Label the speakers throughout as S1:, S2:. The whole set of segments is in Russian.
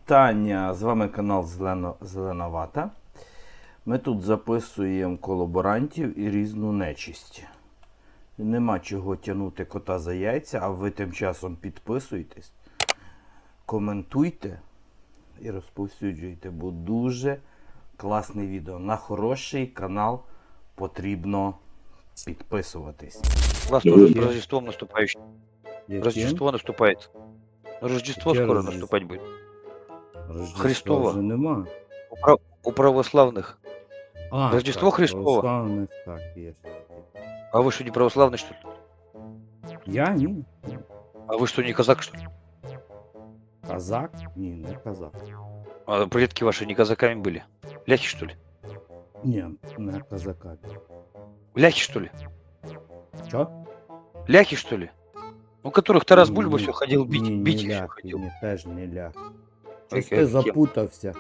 S1: Вітання! З вами канал Зелена Вата. Ми тут записуємо колаборантів і різну нечисть. Нема чого тягнути кота за яйця, а ви тим часом підписуйтесь, коментуйте і розповсюджуйте, бо дуже класне відео. На хороший канал потрібно підписуватись.
S2: У вас тоже Рождеством наступающим.
S1: Яким?
S2: Рождество наступает. Рождество
S1: Яке
S2: скоро
S1: Рождество?
S2: наступать будет.
S1: Рождества
S2: Христова.
S1: вже нема.
S2: У православных.
S1: А,
S2: Рождество
S1: так,
S2: Христово.
S1: православних, так, є.
S2: А вы что, не православный, что ли?
S1: Я ні.
S2: А вы что, не казак, что ли?
S1: Казак? Ні, не казак.
S2: А предки ваши не казаками были? Ляхи, что ли?
S1: Ні, не казака.
S2: Ляхи, что ли?
S1: Що?
S2: Ляхи, что ли? У которых Тарас
S1: Ні,
S2: Бульба
S1: ні.
S2: все ходил бить,
S1: Ні,
S2: бить
S1: не
S2: их всё
S1: ляхи,
S2: ходил.
S1: ні, теж не ляхи.
S2: Ой,
S1: Щось ти
S2: кем?
S1: запутався.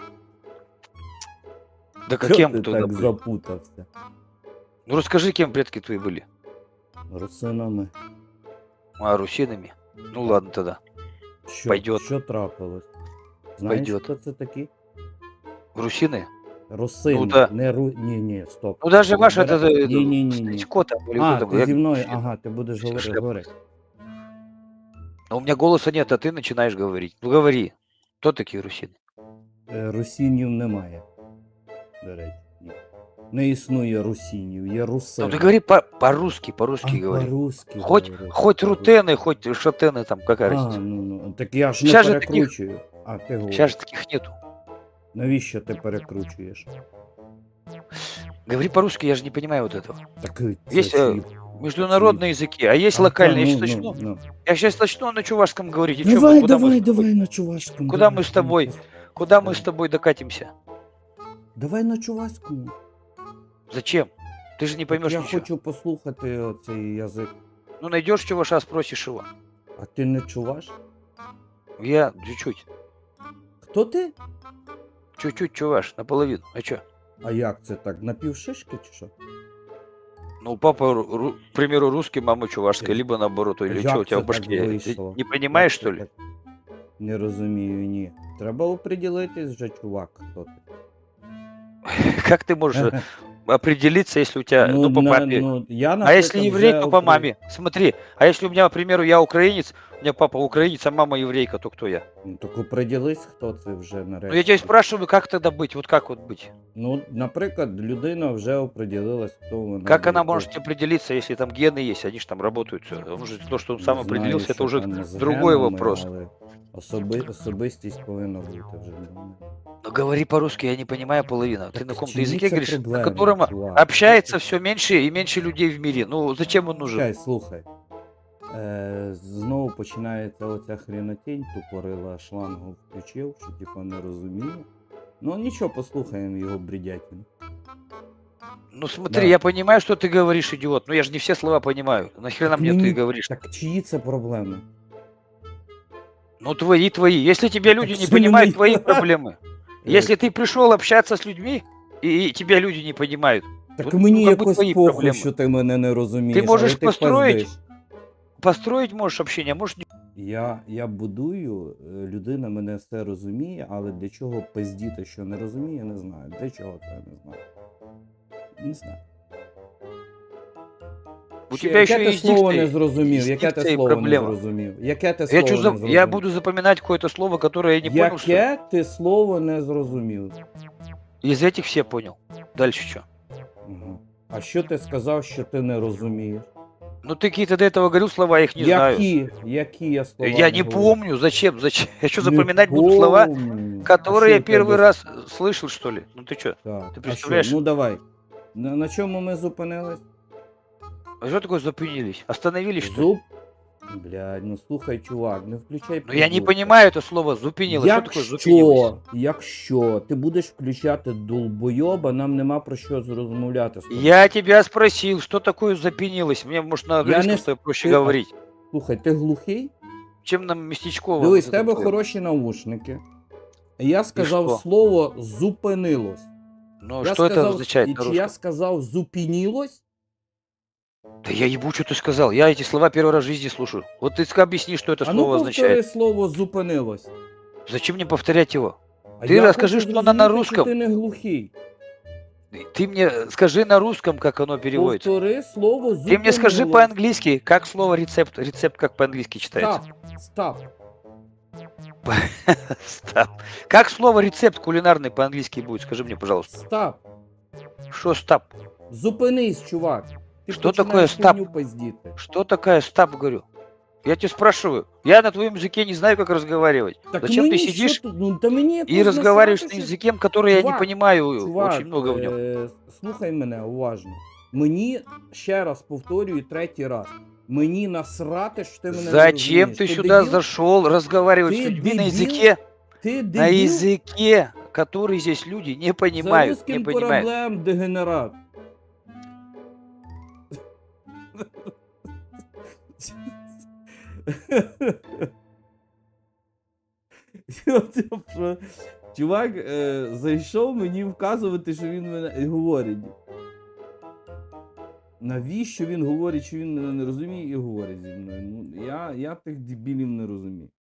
S2: Да
S1: Чого
S2: каким
S1: ти
S2: тогда
S1: так
S2: были?
S1: запутався?
S2: Ну расскажи, кем предки твои были?
S1: Русинами.
S2: А, русинами? Ну ладно тогда.
S1: Що,
S2: Пойдет.
S1: що трапилось? Знаєш,
S2: Пойдет.
S1: хто це такі?
S2: Русины?
S1: Русини.
S2: Ну, да.
S1: Не ні, стоп.
S2: Ну даже ваш это...
S1: Ні.
S2: Стечко там, или
S1: А,
S2: кто там,
S1: ти
S2: я-
S1: зі мною, ага, ти будеш говорити.
S2: Шляпа.
S1: Говори.
S2: А у меня голоса нет, а ты начинаешь говорить. Ну говори. Кто такие русины?
S1: Русінів немає. До речі, ні. Не існує русінів, є
S2: Ну
S1: русини.
S2: ты говори по-русски, по-русски
S1: А,
S2: говори.
S1: по-русски
S2: Хоть
S1: говори.
S2: рутены, хоть шатены там, какая
S1: А,
S2: разница.
S1: ну, так я ж не
S2: Щас же таких-
S1: перекручую. А, ти говориш.
S2: Сейчас же таких нету.
S1: Навіщо ти перекручуєш?
S2: Говори по-русски, я же не понимаю вот этого.
S1: Так,
S2: Есть
S1: це
S2: международные языки, а есть локальные. Я сейчас начну. Я сейчас начну на чувашском говорить. И чё мы,
S1: Давай на чувашскому.
S2: Куда мы с тобой? Куда мы с тобой докатимся?
S1: Давай на чувашському.
S2: Зачем? Ты же не поймешь
S1: Я
S2: ничего.
S1: хочу послухати цей язик.
S2: Ну найдешь чуваша, спросишь его.
S1: А ти не чуваш?
S2: Я чуть-чуть.
S1: Хто ти?
S2: Чуть-чуть чуваш, наполовину. А чё?
S1: А як це так? Напівшишки чи що?
S2: Ну, папа, к примеру, русский, мама чувашская, либо наоборот, или
S1: Як
S2: что у тебя
S1: це
S2: в башке?
S1: так
S2: Ты
S1: вийшло?
S2: не понимаешь,
S1: Як
S2: что
S1: це
S2: ли?
S1: так? Не розумію, ні. Треба оприділитись вже, чувак, хто ти.
S2: Как ты можешь определиться, если у тебя, ну, по папе?
S1: я,
S2: А
S1: наприклад,
S2: если еврей,
S1: вже
S2: то по маме. Смотри, а если у меня, к примеру, я украинец, у меня папа украинец, а мама еврейка, то кто я?
S1: Ну, так оприділись, хто це вже нарешті.
S2: Ну, я тебя спрашиваю, как тогда быть? Вот как вот быть?
S1: Ну, наприклад, людина вже оприділилась, хто вона.
S2: Как она
S1: буде.
S2: может определиться, если там гены есть, они же там работают. Всё. Может, то, что он сам
S1: Не
S2: определился,
S1: знаю,
S2: это уже
S1: що там з
S2: другой
S1: генами,
S2: вопрос.
S1: Але особистість повинна бути вже.
S2: Ну, говори по-русски, я не понимаю половину. Ты
S1: Так
S2: на каком-то
S1: чьи
S2: языке
S1: це
S2: говоришь, на
S1: проблеми,
S2: котором
S1: чувак?
S2: общается все меньше и меньше людей в мире. Ну, зачем он нужен?
S1: Чекай, слухай. Знову починається оця хренотень, тупорила шлангу включив, що типа не розуміє. Ну нічого, послухаємо його бредятину.
S2: Ну, смотри,
S1: Да.
S2: я понимаю, что ты говоришь, идиот, но я же не все слова понимаю. Нахрена мне
S1: Мені-
S2: ты говоришь?
S1: Так чиї це проблеми?
S2: Ну, твои. Если тебя люди
S1: Так
S2: не
S1: что не
S2: понимают,
S1: мои?
S2: твои проблемы. Если ты пришел общаться с людьми, и тебя люди не понимают,
S1: Так
S2: ну,
S1: мені
S2: как бы
S1: якось
S2: твої
S1: похуй,
S2: проблеми.
S1: що ти мене не розумієш.
S2: Ти можеш
S1: але ти
S2: построїть-
S1: пиздиш.
S2: построить можешь общение, а можешь не...
S1: Я будую, людина мене все розуміє, але для чого пиздіти, що не розуміє, не знаю. Для чого це, не знаю. Не знаю.
S2: У
S1: Ще-
S2: тебя еще
S1: яке ти
S2: есть
S1: слово не
S2: дикция.
S1: зрозумів? Яке ти
S2: дикція і
S1: слово не
S2: проблема.
S1: зрозумів? Яке ти слово
S2: Я,
S1: не
S2: я
S1: зрозумів?
S2: буду запоминать какое-то слово, которое я не понял, что ли?
S1: Яке ти слово не зрозумів?
S2: Из этих все понял. Дальше что?
S1: Ага. А що ти сказав, що ти не розумієш?
S2: Ну, ты какие-то до этого говорил слова, я их не знаю.
S1: Які я слова?
S2: Я не
S1: говорю?
S2: помню, зачем? Я что,
S1: Не
S2: запоминать буду слова,
S1: помню.
S2: которые
S1: А
S2: я
S1: що в тебе
S2: первый раз слышал, что ли? Ну ты что?
S1: Так.
S2: Ти
S1: А
S2: представляєш?
S1: що? Ну давай. На чому ми зупинились?
S2: А что такое запынились? Остановились, что ли?
S1: Зуб. Блядь, ну слухай, чувак, не включай.
S2: Ну я не
S1: придурка.
S2: понимаю это слово зупинилось. Что такое зупинилось?
S1: Якщо ти будеш включати долбойоба, нам нема про що розмовляти з тобою.
S2: Я тебя спросил, что такое запинилось? Мне, может, на английском
S1: не
S2: что проще
S1: ты-
S2: говорить,
S1: Слухай, ти глухий?
S2: чем нам местечково.
S1: Дивись, в
S2: вот это
S1: тебе
S2: вот.
S1: хороші наушники. Я сказав
S2: що?
S1: слово зупинилось.
S2: Ну,
S1: Я
S2: что это
S1: сказав,
S2: означает на
S1: чи я
S2: русском?
S1: сказав зупинілось?
S2: Да я ебу, что ты сказал. Я эти слова первый раз в жизни слушаю. Вот ты объясни, что это
S1: А ну
S2: слово
S1: повтори
S2: означает.
S1: слово зупинилось.
S2: Зачем мне повторять его?
S1: А
S2: Ты
S1: я
S2: расскажи,
S1: хочу
S2: что она на
S1: зрозуміти, чи
S2: русском.
S1: ти не глухий.
S2: Ты мне скажи на русском, как оно переводится.
S1: Повтори слово
S2: Ты мне скажи
S1: зупинилось.
S2: по-английски, как слово рецепт. Рецепт как по-английски читается.
S1: Стап.
S2: Стап. Как слово рецепт кулинарный по-английски будет? Скажи мне, пожалуйста.
S1: Стап.
S2: Что стап?
S1: Зупинись, чувак. Ти
S2: Що
S1: починаєш
S2: таке стап?
S1: хуйню пиздіти.
S2: Что такое стап, говорю? Я тебе спрашиваю. Я на твоем языке не знаю, как разговаривать. Зачем ты
S1: мені
S2: сидишь
S1: що тут? Ну, та мені
S2: и
S1: якось
S2: разговариваешь на
S1: насрати, що-
S2: языке, который я не
S1: Чувак,
S2: понимаю
S1: Чувак,
S2: очень много в нем?
S1: слухай мене уважно. Мені, ще раз повторюю, третій раз. Мені насрати, що ти мене не
S2: Зачем
S1: розумієш.
S2: ты сюда
S1: дебіл?
S2: зашел разговаривать
S1: Ты
S2: с людьми на
S1: дебил?
S2: языке,
S1: Ти
S2: на
S1: дебіл?
S2: языке, который здесь люди не
S1: За
S2: понимают, не
S1: русским
S2: понимают.
S1: кораблем, дегенерат. Чувак зайшов мені вказувати, що він мене говорить. Навіщо він говорить, що він мене не розуміє і говорить зі мною? Ну, я тих дебілів не розумію.